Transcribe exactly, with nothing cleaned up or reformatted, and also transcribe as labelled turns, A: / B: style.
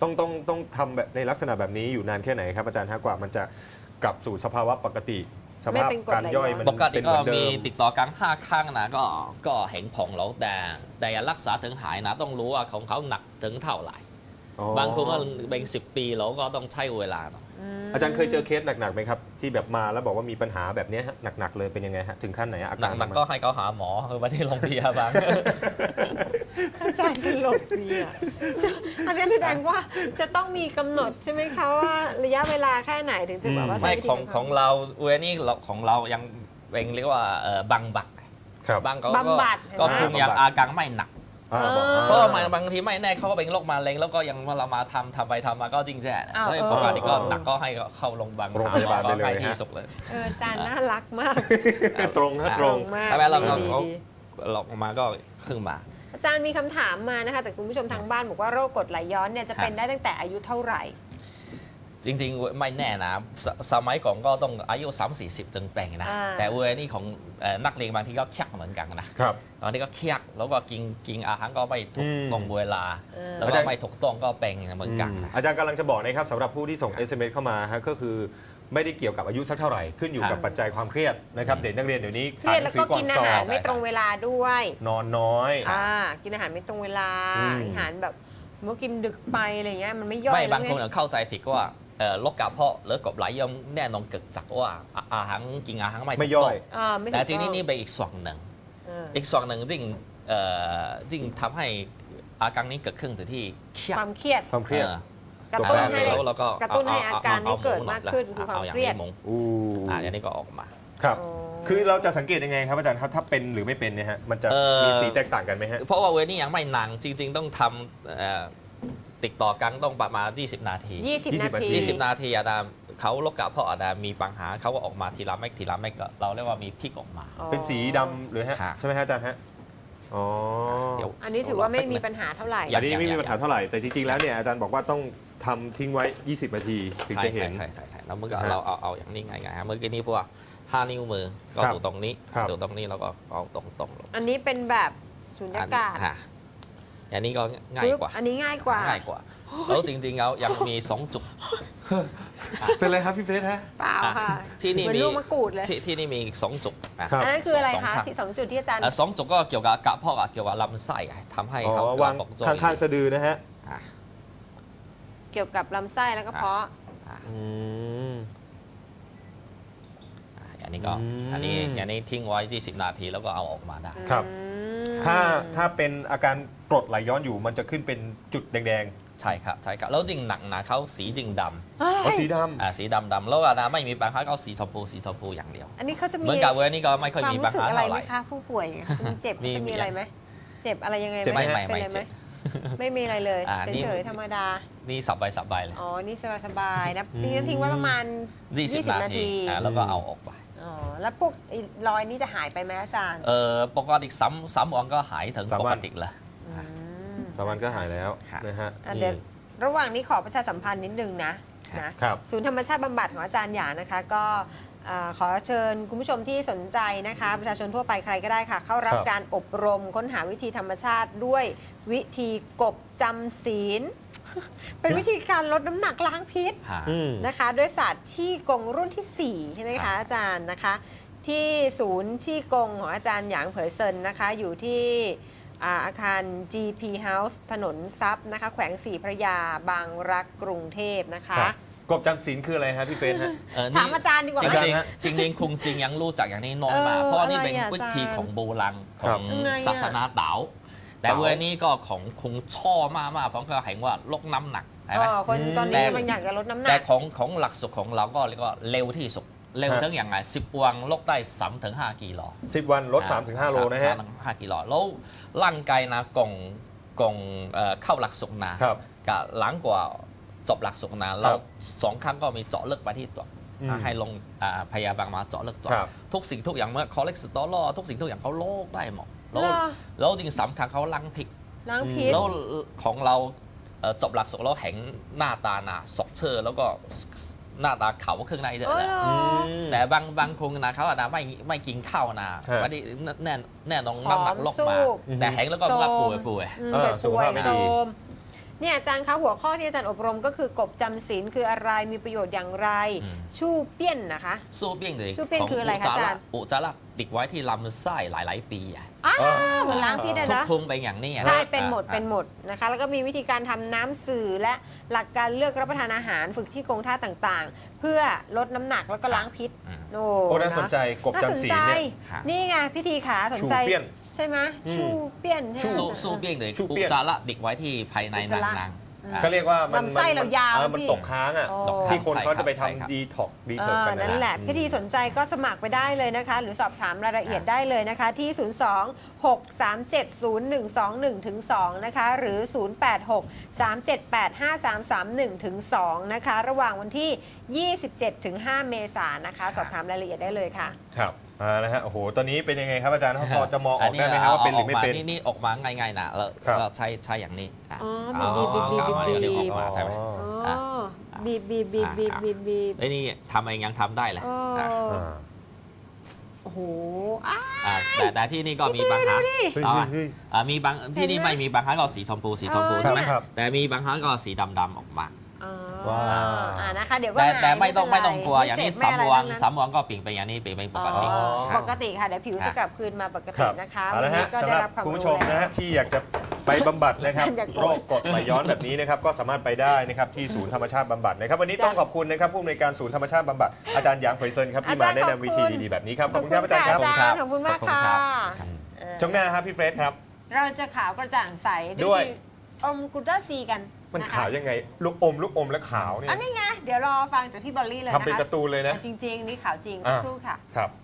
A: ต้องต้องต้องทำแบบในลักษณะแบบนี้อยู่นานแค่ไหนครับอาจารย์ฮะกว่ามันจะกลับสู่สภาวะปกติสภาพการย่อยมัน
B: ปกติ
A: เป็นเห
B: ก็
A: มือนเดิ
B: มี
A: ม
B: ติดต่อกันห้าครั้งนะก็ก็เห็นผลแล้วแต่แต่รักษาถึงหายนะต้องรู้ว่าของเขาหนักถึงเท่าไหร่บางคนก็เป็นสิบปีแล้วก็ต้องใช้เวลา
A: อาจารย์เคยเจอเคสหนักๆไหมครับที่แบบมาแล้วบอกว่ามีปัญหาแบบนี้หนักๆเลยเป็นยังไงฮะถึงขั้นไหนอาการ
B: หนักๆก็ให้เขาหาหมอคือไปที่โรงพยาบาล
C: อาจารย์เป็นโรคเนี่ยอันนี้แสดงว่าจะต้องมีกำหนดใช่ไหมคะว่าระยะเวลาแค่ไหนถึงจะแบบว่า
B: ไม่ของของเราเวนี่ของเรายังเป็นเรียกว่าบังบัดบางก็ก็คุมยังอาการไม่หนักเพราะบางทีไม่แน่เขาก็เป็นโรคมะเร็งแล้วก็ยังเรามาทำทำไปทำมาก็จริงแจ้แล้วปกติก็หนักก็ให้เข้าโรงพยาบาลโรงพยาบาลไปเลยที่สุดเลย
C: อาจารย์น่ารักมาก
A: ตรงนะตรง
B: แต่แม้เราเราหลอกมาก็ขึ้นมา
C: อาจารย์มีคำถามมานะคะแต่คุณผู้ชมทางบ้านบอกว่าโรคกรดไหลย้อนเนี่ยจะเป็นได้ตั้งแต่อายุเท่าไหร่
B: จริงๆไม่แน่นะสมัยก่อนก็ต้องอายุสามสี่สิบจึงเป็นนะแต่เวนี่ของนักเรียนบางทีก็เคียกเหมือนกันนะครับตอนนี้ก็เคียกแล้วก็กินกินอาหารก็ไม่ถูกตรงเวลาแล้วก็ไม่ถูกต้องก็เป็นเหมือนกัน
A: อาจารย์กำลังจะบอกนะครับสำหรับผู้ที่ส่ง เอส เอ็ม เอส เข้ามาก็คือไม่ได้เกี่ยวกับอายุสักเท่าไหร่ขึ้นอยู่กับปัจจัยความเครียดนะครับเด็กนักเรียนเดี๋ยวนี้
C: เครียดแล้วก็กินอาหารไม่ตรงเวลาด้วย
A: นอนน้อย
C: กินอาหารไม่ตรงเวลาอาหารแบบเมื่อกินดึกไปอะไรเงี้ยมันไม่ย่อย
B: ไม่บางคนเข้าใจผิดว่าโรคกระเพาะหรือกรดไหลย้อนแน่นอนเกิดจากว่าอาหารกินอาหารไม่
A: ย่อย
B: แต่จริงนี่นี่เป็นอีกส่วนหนึ่งอีกส่วนหนึ่งจริงจริงทำให้อาการนี้เกิดขึ้นtừที่
C: ความเครียด
A: ความเครียด
C: กระตุ้นให้กระตุ้นให้อาการนี้เกิดมากขึ้นคือความเครียด
B: อู้อย่างนี้ก็ออกมา
A: ครับคือเราจะสังเกตยังไงครับอาจารย์ครับถ้าเป็นหรือไม่เป็นเนี่ยฮะมันจะมีสีแตกต่างกันไหมฮะ
B: เพราะว่าเวนี่ยังไม่นานจริงๆต้องทำติดต่อกันต้องประมาณยี่สิบนาที
C: ยี่สิบนาที
B: ยี่สิบนาทีอาดามเขาโรคกระเพาะอาดามมีปัญหาเขาก็ออกมาทีละเม็ดทีละเม็ดเราเรียกว่ามีพิกออกมา
A: เป็นสีดำหรือฮะใช่ไหมฮะอาจารย์ฮะอ๋อ
C: อันนี้ถือว่าไม่มีปัญหาเท่าไหร่
A: อันนี้ไม่มีปัญหาเท่าไหร่แต่จริงๆแล้วเนี่ยอาจารย์บอกว่าต้องทำทิ้งไว้ยี่สิบนาทีถึงจะเห็น
B: ใช่ใช่ใช่แล้วเมื่อกี้เราเอาเอาอย่างนี้ไงไงเมื่อกี้นี้พวกห้านิ้วมือก็ถูตรงนี้ถูตรงนี้แล้วก็เอาตรงตรงลง
C: อันนี้เป็นแบบสุญญากาศ
B: อันนี้ก็ง่ายกว่า
C: อันนี้ง่ายกว่า
B: ง่ายกว่าแล้วจริงๆแล้วยังมีสองจุด
A: เป็นไรครับพี่เฟสฮะ
C: เปล่าค่ะ
B: ที่นี่มี
C: ลูกมะกรูดเลย
B: ที่นี่มีสองจุด
C: อันนั้นคืออะไรคะที่สองจุดที่อาจารย์
B: สองจุดก็เกี่ยวกับกระเพาะเกี่ยวกับลำไส้ทำให้เขา
A: วางข้างๆสะดือนะฮะ
C: เกี่ยวกับลำไส้แล้วก็เพาะ
B: อันนี้ก็อันนี้อันนี้ทิ้งไว้ยี่สิบนาทีแล้วก็เอาออกมาได้
A: ครับถ้าถ้าเป็นอาการกรดไหลย้อนอยู่มันจะขึ้นเป็นจุดแดง
B: ๆใช่ครับใช่ครับแล้วจริงหนักนะเขาสีจริงดำ
A: อ๋อสีดำ
B: อ่าสีดำดำแล้วอาดาไม่มีปัญหาเขาสีชมพูสีชมพูอย่างเดียว
C: อันนี้เขาจะมี
B: เหมือนกับเวนี่ก็ไม่ค่อยมีปัญหา
C: อะไรไหมคะผู้ป่วยเจ็บจะมีอะไรไหมเจ็บอะไรยังไง
B: ไม่ไม่ไม่เจ็บ
C: ไม่มีอะไรเลยเฉยๆธรรมดา
B: นี่สบายสบายเลย
C: อ๋อนี่สบายสบายนะทิ้งทิ้งไว้ประมาณยี่สิบนาที
B: แล้วก็เอาออกไป
C: อ๋อแล้วพวกรอยนี้จะหายไปไหมอาจารย์
B: เออปกติซ้ำซ้ำวันก็หายถึงปกติเลย
A: สามวันก็หายแล้วนะฮะ
C: เดี๋ยวระหว่างนี้ขอประชาสัมพันธ์นิดนึงนะนะศูนย์ธรรมชาติบำบัดของอาจารย์หยานะคะก็ขอเชิญคุณผู้ชมที่สนใจนะคะประชาชนทั่วไปใครก็ได้ค่ะเข้ารับการอบรมค้นหาวิธีธรรมชาติด้วยวิธีกบจำศีลเป็นวิธีการลดน้ำหนักล้างพิษนะคะด้วยศาสตร์ที่กงรุ่นที่สี่ใช่ไหมคะอาจารย์นะคะที่ศูนย์ที่กงของอาจารย์หยางเผยเซินนะคะอยู่ที่อาคาร จี พี House ถนนทรัพย์นะคะแขวงศรีพระยาบางรักกรุงเทพนะคะ
A: กบจำศีลคืออะไรฮะพี่เฟสฮะ
C: ถามอาจารย์ดีกว่า
B: จริงจริงจริงคงจริงยังรู้จักอย่างนี้น้อยมากเพราะนี่เป็นวิธีของโบราณของศาสนาเต๋าแต่เวนี้ก็ของคงชอบมากมากเพราะเขาเห็นว่าลดน้ำหนัก
C: ใช่ไหมคนตอนนี้มันอยากจะลดน้ำหนัก
B: แต่ของของหลักสุดของเราก็เรียกว่าเร็วที่สุดเร็วทั้งอย่างไรสิบวันลดได้สามถึงห้ากิโล
A: สิบวันลดสามถึงห้าโลนะฮะ
B: ห้ากิโลแล้วร่างกายนะกงกงเข้าหลักสุดนะกับหลังกว่าจบหลักสุดนะเราสองครั้งก็มีเจาะเลือดไปที่ตัวให้ลงพยาบาลมาเจาะเลือดตัวทุกสิ่งทุกอย่างเมื่อคอเลสเตอรอลทุกสิ่งทุกอย่างเขาโรคได้หมดแล้วแล้วจริงสำคัญเขาล้างพิษ
C: ล้างพิษ
B: แล้วของเราจบหลักสุดแล้วเห็นหน้าตาหนาสดเชอแล้วก็หน้าตาเขาเครื่องในเยอะแหละแต่บางบางคนนะเขาอาจจะไม่ไม่กินข้าวนะวันนี้แน่แน่นองน้ำหนักลดมาแต่แห้งแล้วก็ว่าป่วยป่วย
C: ป่วยโซมเนี่ยอาจารย์คะหัวข้อที่อาจารย์อบรมก็คือกบจำศีลคืออะไรมีประโยชน์อย่างไร
B: อืม
C: ชู่เปี้ยนนะคะ
B: สู้เปี้ยงเลย
C: สู้เปี้ยงคืออะไรคะอาจารย์
B: อุจจาระติดไว้ที่ลำไส้หลาย ๆ ปีอะ
C: อ้าวเหมือนล้างพิษอะ
B: ทุก
C: นะ
B: ทุงไปอย่างนี้อะ
C: ใช่เป็นหมด
B: อ่ะ
C: เป็นหมดนะคะแล้วก็มีวิธีการทำน้ำสื่อและหลักการเลือกรับประทานอาหารฝึกที่โครงท่าต่างๆ เพื่อลดน้ำหนักแล้วก็ล้างพิษ
B: อืม
C: โอ้
A: โอ้น่าสนใจกบ
C: น่าสน
A: จำศีล
C: ใจ
A: เนี่ย
B: ค่ะ
C: นี่ไงพิธีขาสนใจ
A: ชูเปี้ยน
C: ใช่ไหม
A: อืม
C: ชูเปี้ยนใช่ไหม
B: สู้สู้เปี้ยงเลย
A: สู้
B: อุ
A: เปี้
B: จ
A: ยง
B: จาระติดไว้ที่ภายใน
C: อุจจาระ
B: นาง
C: อืม
B: ๆอ่ะ
A: เขาเรียกว่ามัน
C: ลำไส้เรายาว
A: เออมัน
C: พี่
A: ตกค้างอ่ะ
C: โอ้
A: ที่คนเขาจะไป
B: ใช่ครับ
A: ทำดีท็อกดี
C: เอ
A: เทิร์
C: อ
A: กัน
C: นั่นแหละ
A: อืม
C: พิธีสนใจก็สมัครไปได้เลยนะคะ หรือสอบถามรายละเอียดได้เลยนะคะ ที่ ศูนย์ สอง หก สาม เจ็ด ศูนย์ หนึ่ง สอง หนึ่ง ถึง สอง นะคะ หรือ ศูนย์ แปด หก สาม เจ็ด แปด ห้า สาม สาม หนึ่ง ถึง สอง นะคะ ระหว่างวันที่ ยี่สิบเจ็ด ถึง ห้า เมษายนนะคะ สอบถามรายละเอียดได้เลยค่ะ
A: ครับอ่านะฮะโอ้โหตอนนี้เป็นยังไงครับอาจารย์พอจะมองออกได้ไหมครับว่าเป็นหรือไม่เป็น
B: นี่นี่ออกมาง่ายๆนะแล้ว
A: ครับ
B: เราใช้ใช้อย่างนี้ะ
C: อ๋อ
B: เอา
C: บีบบีบบีบ
B: เอา
C: บีบ
B: เดี๋ยวเดี๋ยวออกมาใช่ไหม
A: อ๋อ
C: อ๋อบีบบีบบีบบีบบีบบีบ
B: ไอ้นี่ทำเองยังทำได้เลย
C: โอ้
B: อ่ะ
A: อ่า
C: โอ้โหอ้า
B: อ่ะแต่แต่ที่นี่ก็มีบางครั้ง
A: เฮ้ย
B: เอา
A: เฮ้
B: อ่ะ
A: ยเฮ้ย
B: อ่ะมีบางที่นี่
C: เห็นไหม
B: ไม่มีบางครั้งก็สีชมพูสีชมพู
C: เออ
B: ใช่ไหม
A: ครับ
B: แต่มีบางครั้งก็สีดำๆออกมา
C: อ๋อ
A: ว้าว
C: อ่านะคะเดี๋ยวก็
B: แต่
C: หาย
B: แต่ไม่ต้อง
C: เป็
B: ไม่
C: นไร
B: ต้องกลัวอย่างนี้
C: ไเจ็บ
B: สาม
C: ไอะไร
B: วัน
C: ทั้งนั้น
B: สามวันก็เปลี่ยนไปอย่างนี้เปลี่ยนเป็นปกติ
C: อ๋อ
B: ครับ
C: ปกติค่ะเดี๋ยวผิวจะกลับคืนมาปก
A: ค
C: ติ
A: รับ
C: นะคะ
A: เอา
C: วั
A: ละ
C: นนี้
A: ฮะ
C: ก็
A: สำ
C: ได้
A: หรับ
C: รับความ
A: คุณ
C: รู้
A: ผู้ชมนะ
C: แล้ว
A: ฮะที่อยากจะไปบำบัดนะครับ
C: อาจารย์อย่าโกรธ
A: โรคกรดไหลย้อนแบบนี้นะครับก็สามารถไปได้นะครับที่ศูนย์ธรรมชาติบำบัดนะครับวันนี้ต้องขอบคุณนะครับผู้อำนวยการศูนย์ธรรมชาติบำบัดอาจารย์หยางเผยเซินครับที่มาแนะนำวิธีดีๆแบบนี้ครับขอบคุณครับอาจารย์ครับ
C: ขอบคุณค่ะอาจารย์ขอบคุณมากค่ะ
B: ครับ
C: เออ
A: ช่วงหน้าครับพี่เฟรดครับ
C: เราจะขาวกระจ่างใส
A: ด้
C: ด้
A: ว
C: วย ยอมกลูตาซีกัน
A: มัน
C: นะคะ
A: ขาวยังไงลูกอมลูกอมและขาวเนี่ย
C: อันนี้ไงเดี๋ยวรอฟังจากพี่บอลลี่เลยนะคะ
A: ทำเป็นการ์ตูนเลยนะ
C: จริงๆ นี่ขาวจริง
A: อ่า
C: สักครู่ค่ะ
A: ครับ